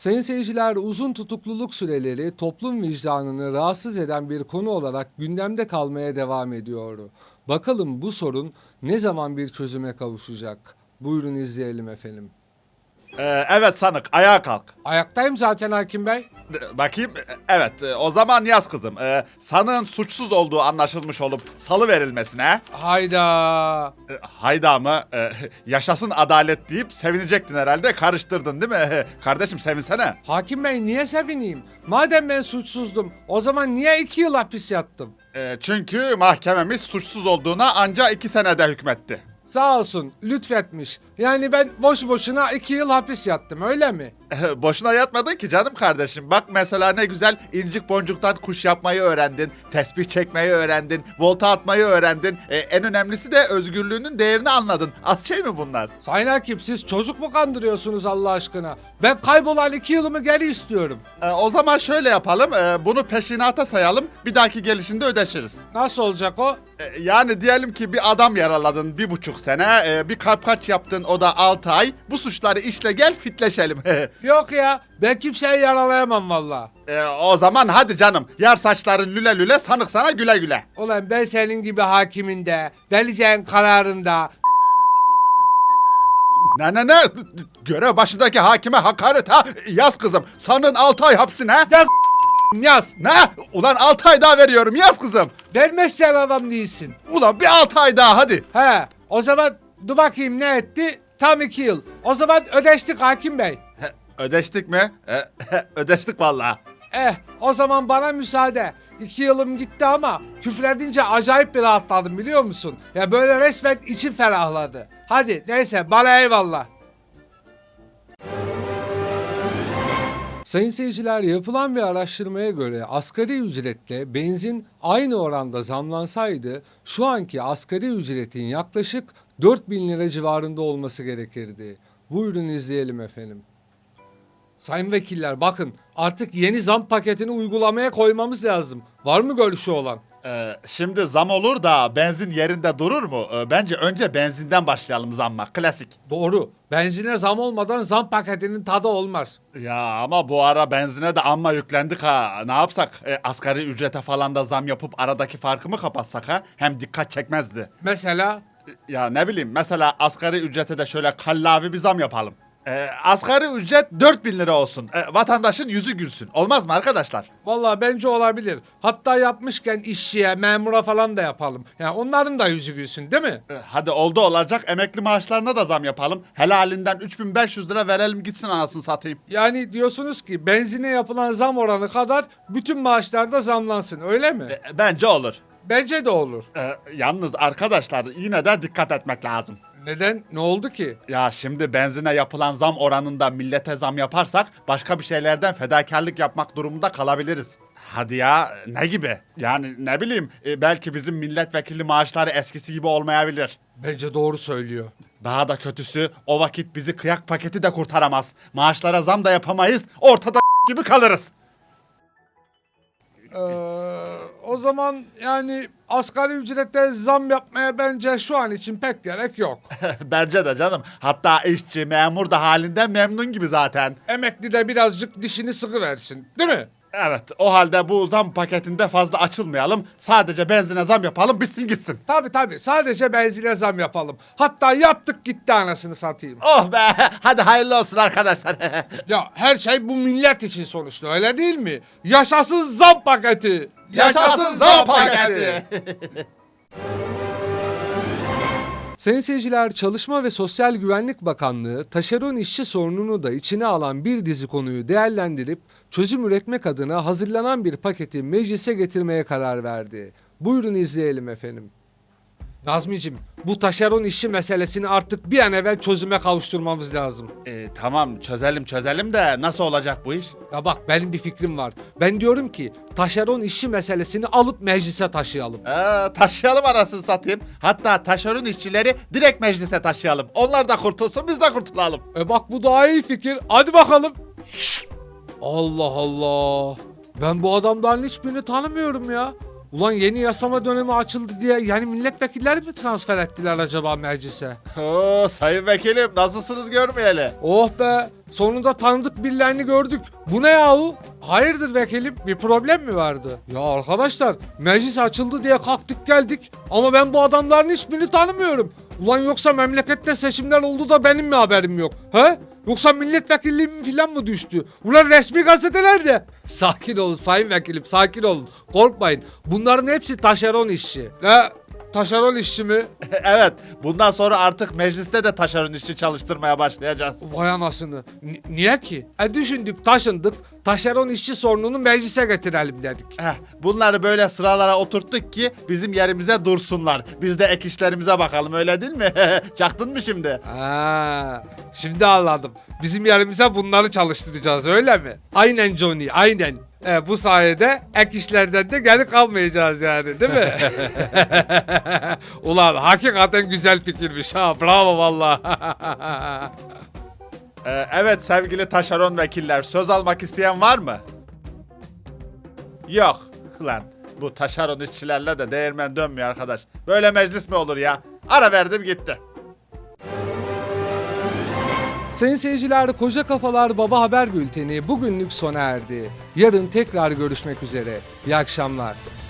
Sayın seyirciler, uzun tutukluluk süreleri toplum vicdanını rahatsız eden bir konu olarak gündemde kalmaya devam ediyor. Bakalım bu sorun ne zaman bir çözüme kavuşacak? Buyurun izleyelim efendim. Evet sanık, ayağa kalk. Ayaktayım zaten hakim bey. Bakayım, evet, o zaman yaz kızım. Sanığın suçsuz olduğu anlaşılmış olup salı verilmesine... Hayda. Hayda mı? Yaşasın adalet deyip sevinecektin herhalde, karıştırdın değil mi? Kardeşim sevinsene. Hakim bey niye sevineyim? Madem ben suçsuzdum o zaman niye 2 yıl hapis yattım? Çünkü mahkememiz suçsuz olduğuna anca 2 senede hükmetti. Sağ olsun lütfetmiş. Yani ben boş boşuna 2 yıl hapis yattım öyle mi? Boşuna yatmadın ki canım kardeşim. Bak mesela ne güzel incik boncuktan kuş yapmayı öğrendin. Tesbih çekmeyi öğrendin. Volta atmayı öğrendin. En önemlisi de özgürlüğünün değerini anladın. Az şey mi bunlar? Sayın hakim siz çocuk mu kandırıyorsunuz Allah aşkına? Ben kaybolan 2 yılımı geri istiyorum. O zaman şöyle yapalım. Bunu peşinata sayalım. Bir dahaki gelişinde ödeşiriz. Nasıl olacak o? Yani diyelim ki bir adam yaraladın 1,5 sene. Bir kaç yaptın o da 6 ay. Bu suçları işle gel fitleşelim. Yok ya ben kimseyi yaralayamam valla. O zaman hadi canım. Yar saçların lüle lüle, sanık sana güle güle. Ulan ben senin gibi hakiminde, vereceğin kararında... Ne? Görev başındaki hakime hakaret ha. Yaz kızım. Sanın 6 ay hapsine. Yaz yaz. Ne? Ulan 6 ay daha veriyorum, yaz kızım. Vermezsen adam değilsin. Ulan bir 6 ay daha hadi. He o zaman dur bakayım ne etti? Tam 2 yıl. O zaman ödeştik hakim bey. Ödeştik mi? Ödeştik vallahi. O zaman bana müsaade. 2 yılım gitti ama küfredince acayip bir rahatladım biliyor musun? Ya böyle resmen içim ferahladı. Hadi neyse bana eyvallah. Sayın seyirciler yapılan bir araştırmaya göre asgari ücretle benzin aynı oranda zamlansaydı şu anki asgari ücretin yaklaşık 4.000 lira civarında olması gerekirdi. Buyurun izleyelim efendim. Sayın vekiller bakın artık yeni zam paketini uygulamaya koymamız lazım. Var mı görüşü olan? Şimdi zam olur da benzin yerinde durur mu? Bence önce benzinden başlayalım zamma. Klasik. Doğru. Benzine zam olmadan zam paketinin tadı olmaz. Ya ama bu ara benzine de amma yüklendik ha. Ne yapsak? Asgari ücrete falan da zam yapıp aradaki farkı mı kapatsak ha? Hem dikkat çekmezdi. Mesela Ya ne bileyim, mesela asgari ücrete de şöyle kallavi bir zam yapalım. Asgari ücret 4.000 lira olsun. Vatandaşın yüzü gülsün. Olmaz mı arkadaşlar? vallahi bence olabilir. Hatta yapmışken işçiye, memura falan da yapalım. Yani onların da yüzü gülsün değil mi? Hadi oldu olacak, emekli maaşlarına da zam yapalım. Helalinden 3.500 lira verelim gitsin, anasını satayım. Yani diyorsunuz ki benzine yapılan zam oranı kadar bütün maaşlarda zamlansın öyle mi? Bence olur. Bence de olur. Yalnız arkadaşlar yine de dikkat etmek lazım. Neden? Ne oldu ki? Ya şimdi benzine yapılan zam oranında millete zam yaparsak başka bir şeylerden fedakarlık yapmak durumunda kalabiliriz. Hadi ya, ne gibi? Yani ne bileyim, belki bizim milletvekili maaşları eskisi gibi olmayabilir. Bence doğru söylüyor. Daha da kötüsü, o vakit bizi kıyak paketi de kurtaramaz. Maaşlara zam da yapamayız, ortada gibi kalırız. O zaman yani asgari ücrete zam yapmaya bence şu an için pek gerek yok. Bence de canım. Hatta işçi, memur da halinden memnun gibi zaten. Emekli de birazcık dişini sıkıversin değil mi? Evet, o halde bu zam paketinde fazla açılmayalım. Sadece benzine zam yapalım, bitsin gitsin. Tabii sadece benzine zam yapalım. Hatta yaptık gitti anasını satayım. Oh be, hadi hayırlı olsun arkadaşlar. Ya her şey bu millet için sonuçta öyle değil mi? Yaşasın zam paketi. Yaşasın zam paketi. Sayın seyirciler, Çalışma ve Sosyal Güvenlik Bakanlığı taşeron işçi sorununu da içine alan bir dizi konuyu değerlendirip çözüm üretmek adına hazırlanan bir paketi meclise getirmeye karar verdi. Buyurun izleyelim efendim. Nazmicim, bu taşeron işçi meselesini artık bir an evvel çözüme kavuşturmamız lazım. Tamam, çözelim de nasıl olacak bu iş? Ya bak benim bir fikrim var. Ben diyorum ki taşeron işçi meselesini alıp meclise taşıyalım. Taşıyalım, arasını satayım. Hatta taşeron işçileri direkt meclise taşıyalım. Onlar da kurtulsun, biz de kurtulalım. Bak bu daha iyi fikir. Hadi bakalım. Allah Allah. Ben bu adamların hiçbirini tanımıyorum ya. Ulan yeni yasama dönemi açıldı diye yani milletvekilleri mi transfer ettiler acaba meclise? Sayın vekilim, nasılsınız görmeyeli? Oh be. Sonunda tanıdık birilerini gördük. Bu ne yahu? Hayırdır vekilim, bir problem mi vardı? Ya arkadaşlar, meclis açıldı diye kalktık geldik ama ben bu adamların hiçbirini tanımıyorum. Ulan yoksa memlekette seçimler oldu da benim mi haberim yok? He? Yoksa milletvekilliğim falan mı düştü? Ulan resmi gazetelerde. Sakin olun sayın vekilim, sakin olun. Korkmayın. Bunların hepsi taşeron işçi. Ne? Taşeron işçi mi? Evet, bundan sonra artık mecliste de taşeron işçi çalıştırmaya başlayacağız. Vay anasını. Niye ki? Düşündük, taşındık. Taşeron işçi sorununu meclise getirelim dedik. Bunları böyle sıralara oturttuk ki bizim yerimize dursunlar. Biz de ek işlerimize bakalım, öyle değil mi? Çaktın mı şimdi? Şimdi anladım. Bizim yerimize bunları çalıştıracağız öyle mi? Aynen Johnny, aynen. Bu sayede ek işlerden de geri kalmayacağız yani, değil mi? Ulan hakikaten güzel fikirmiş ha. Bravo vallahi. Evet sevgili taşeron vekiller, söz almak isteyen var mı? Yok. Lan bu taşeron işçilerle de değirmen dönmüyor arkadaş. Böyle meclis mi olur ya? Ara verdim gitti. Sayın seyirciler, Koca Kafalar Baba Haber Bülteni bugünlük sona erdi. Yarın tekrar görüşmek üzere. İyi akşamlar.